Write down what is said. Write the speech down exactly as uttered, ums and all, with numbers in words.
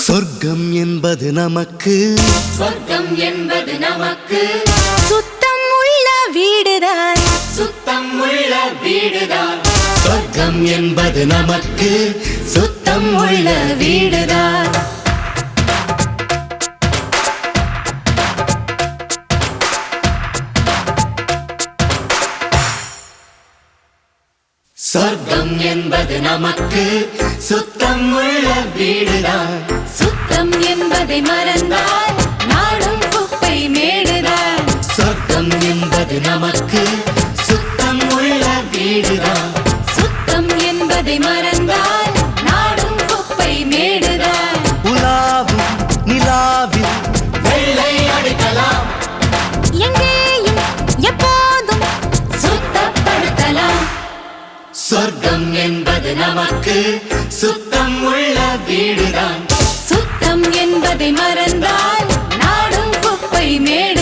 சொர்க்கம் என்பது நமக்கு சொர்க்கம் என்பது நமக்கு சுத்தம் உள்ள வீடுதான் சுத்தம் உள்ள வீடுதான் சொர்க்கம் என்பது நமக்கு சுத்தம் உள்ள வீடுதான் சொர்க்கம் என்பது நமக்கு சுத்தம் உள்ள வீடுதான் சுத்தம் என்பதை மறந்தால் நாடும் குப்பை மேடுதான் சொர்க்கம் என்பது நமக்கு சுத்தம் உள்ள வீடுதான் சுத்தம் என்பதை மறந்தால் நாடும் குப்பை மேடுதான் உலாவும் நிலாவில் வெள்ளை அடிக்கலாம் எங்கேயும் எப்போதும் சுத்தப்படுத்தலாம் சொர்க்கம் என்பது நமக்கு சுத்தம் உள்ள வீடுதான் சுத்தம் என்பதை மறந்தால் நாடும் குப்பை மேடு